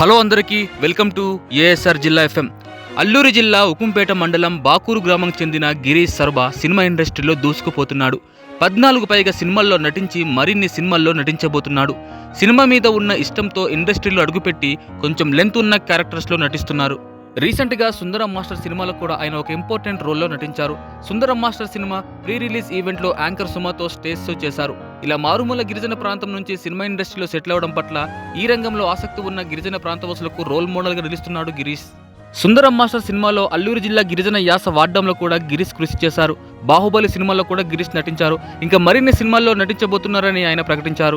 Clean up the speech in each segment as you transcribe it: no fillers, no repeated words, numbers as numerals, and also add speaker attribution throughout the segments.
Speaker 1: Hello అందరికీ welcome to ASR జిల్లా FM. Alluri జిల్లా ఉకుంపేట మండలం బాకూరు గ్రామంకి చెందిన గిరీష్ సర్బా సినిమా ఇండస్ట్రీలో దూసుకుపోతున్నాడు. 14 పైగా సినిమాల్లో నటించి మరిన్ని సినిమాల్లో నటించబోతున్నాడు. సినిమా మీద ఉన్న ఇష్టంతో ఇండస్ట్రీలో అడుగుపెట్టి కొంచెం లెంత్ ఉన్న క్యారెక్టర్స్లో నటిస్తున్నారు. రీసెంట్గా సుందరం మాస్టర్ సినిమాలో కూడా ఆయన ఒక ఇంపార్టెంట్ రోల్లో నటించారు. Sundaram master cinema pre release ఈవెంట్లో యాంకర్ సుమాతో స్టేజ్ షో చేశారు. ఇలా మారుమూల గిరిజన ప్రాంతం నుంచి సినిమా ఇండస్ట్రీలో సెటిల్ అవడం పట్ల ఈ రంగంలో ఆసక్తి ఉన్న గిరిజన ప్రాంతవాసులకు రోల్ మోడల్గా నిలుస్తున్నాడు గిరీష్. సుందరం మాస్టర్ సినిమాలో అల్లూరు జిల్లా గిరిజన యాస వాడడంలో కూడా గిరీష్ కృషి చేశారు. బాహుబలి సినిమాలో కూడా గిరీష్ నటించారు. ఇంకా మరిన్ని సినిమాల్లో నటించబోతున్నారని ఆయన ప్రకటించారు.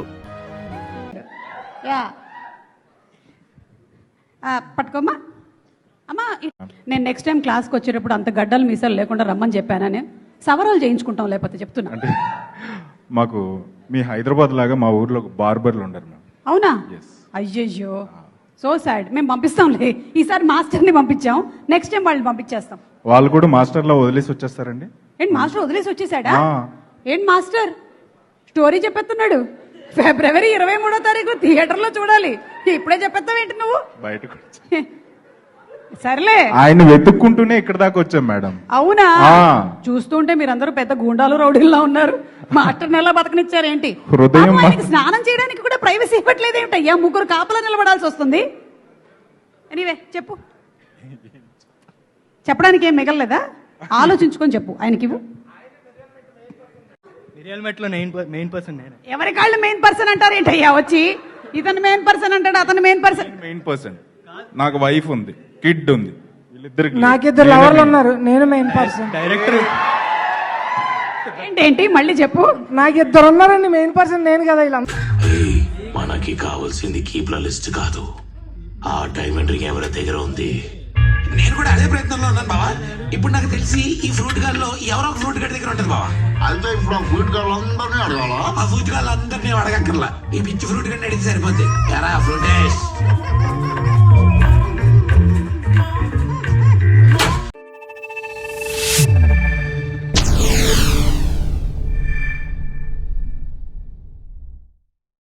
Speaker 2: పట్టుకోమ్మా అమ్మా. నేను నెక్స్ట్ టైం క్లాస్కి వచ్చేటప్పుడు అంత గడ్డలు మీసాలు లేకుండా రమ్మని చెప్పానని సవరాలు చేయించుకుంటాం, లేకపోతే చెప్తున్నా.
Speaker 3: అంటే మాకు మీ హైదరాబాద్ లాగా మా ఊర్లో బార్బర్లు ఉండరు.
Speaker 2: అవునా? అయ్యయ్యో, సో సాడ్. మేము పంపిస్తాంలే, ఈసారి మాస్టర్ని పంపించాం, నెక్స్ట్ టైం వాళ్ళని పంపించేస్తాం.
Speaker 3: వాళ్ళు కూడా మాస్టర్లో వదిలేసి వచ్చేస్తారండి.
Speaker 2: ఏంటి మాస్టర్ వదిలేసి వచ్చేసాడా? ఏంటి మాస్టర్ స్టోరీ చెప్పేస్తున్నాడు? ఫిబ్రవరి 23వ తారీఖు థియేటర్లో చూడాలి. ఇప్పుడే చెప్పేస్తావు ఏంటి నువ్వు?
Speaker 3: బయటకు
Speaker 2: సర్లే,
Speaker 3: ఆయన వెతుక్కుంటూనే ఇక్కడ దాకా వచ్చాం మేడం.
Speaker 2: అవునా? చూస్తుంటే మీరందరూ పెద్ద గూండాలు రౌడీల్లో ఉన్నారు. మాస్టర్ ఎలా బతకనిచ్చారు ఏంటి?
Speaker 3: హృదయం
Speaker 2: స్నానం చేయడానికి కూడా ప్రైవసీ ఇవ్వట్లేదు ఏమిటయ్యా? 3 కాపలా నిలబడాల్సి వస్తుంది. ఎనీవే చెప్పు, చెప్పడానికి ఏం మిగలలేదా? ఆలోచించుకొని చెప్పు. ఆయనకి ఎవరి కాళ్ళు మెయిన్ పర్సన్ అంటారు ఏంటయ్యా? వచ్చి ఇతను మెయిన్ పర్సన్ అంటాడు, అతను మెయిన్ పర్సన్.
Speaker 3: నాకు వైఫ్ ఉంది, కిడ్ ఉంది, వీళ్ళిద్దరికి
Speaker 4: నాకిద్దరు లవర్లు ఉన్నారు, నేను మెయిన్ పర్సన్.
Speaker 3: డైరెక్టర్
Speaker 2: ఏంటి మళ్ళీ చెప్పు.
Speaker 4: నాకు 2 ఉన్నారండి, మెయిన్ పర్సన్ నేను కదా. ఇలా
Speaker 5: మనకి కావాల్సింది కీప్ల లిస్ట్ కాదు, ఆ డైమండ్ రింగ్ ఎవరి దగ్గర ఉంది. నేను కూడా అదే ప్రయత్నంలో ఉన్నాను బావా. ఇప్పుడు నాకు తెలిసి ఈ ఫ్రూట్ గాల్లో ఎవరో ఒక ఫ్రూట్ గడి దగ్గర ఉంటుంది బావా.
Speaker 6: అయితే ఇప్పుడు ఆ ఫ్రూట్ గాళ్ళు అందరినీ అడగాలా?
Speaker 5: ఆ ఫ్రూట్ గాళ్ళు అందరినీ అడగక్కర్లా, ఈ పిచ్చి ఫ్రూట్ గడిని అడిగితే సరిపోద్ది. ఎరా ఫ్రూటేష్